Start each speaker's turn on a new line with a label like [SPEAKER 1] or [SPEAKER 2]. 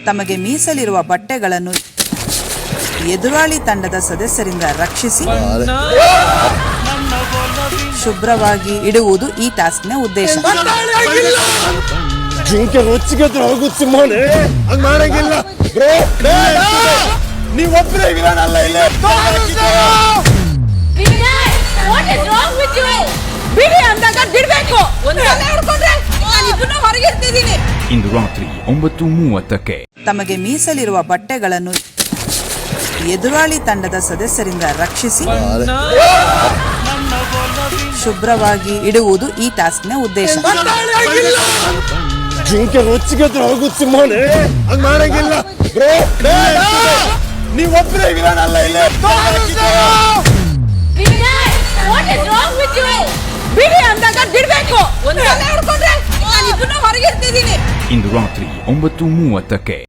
[SPEAKER 1] ತಮಗೆ ಮೀಸಲಿರುವ ಬಟ್ಟೆಗಳನ್ನು ಎದುರಾಳಿ ತಂಡದ ಸದಸ್ಯರಿಂದ ರಕ್ಷಿಸಿ ಶುಭ್ರವಾಗಿ ಇಡುವುದು ಈ ಟಾಸ್ಕ್ನ ಉದ್ದೇಶ.
[SPEAKER 2] ಇಂದು ರಾತ್ರಿ 9:30ಕ್ಕೆ
[SPEAKER 1] ತಮಗೆ ಮೀಸಲಿರುವ ಬಟ್ಟೆಗಳನ್ನು ಎದುರಾಳಿ ತಂಡದ ಸದಸ್ಯರಿಂದ ರಕ್ಷಿಸಿ ಶುಭ್ರವಾಗಿ ಇಡುವುದು ಈ ಟಾಸ್ಕ್ನ ಉದ್ದೇಶ.
[SPEAKER 2] ಇಂದು ರಾತ್ರಿ 9:30ಕ್ಕೆ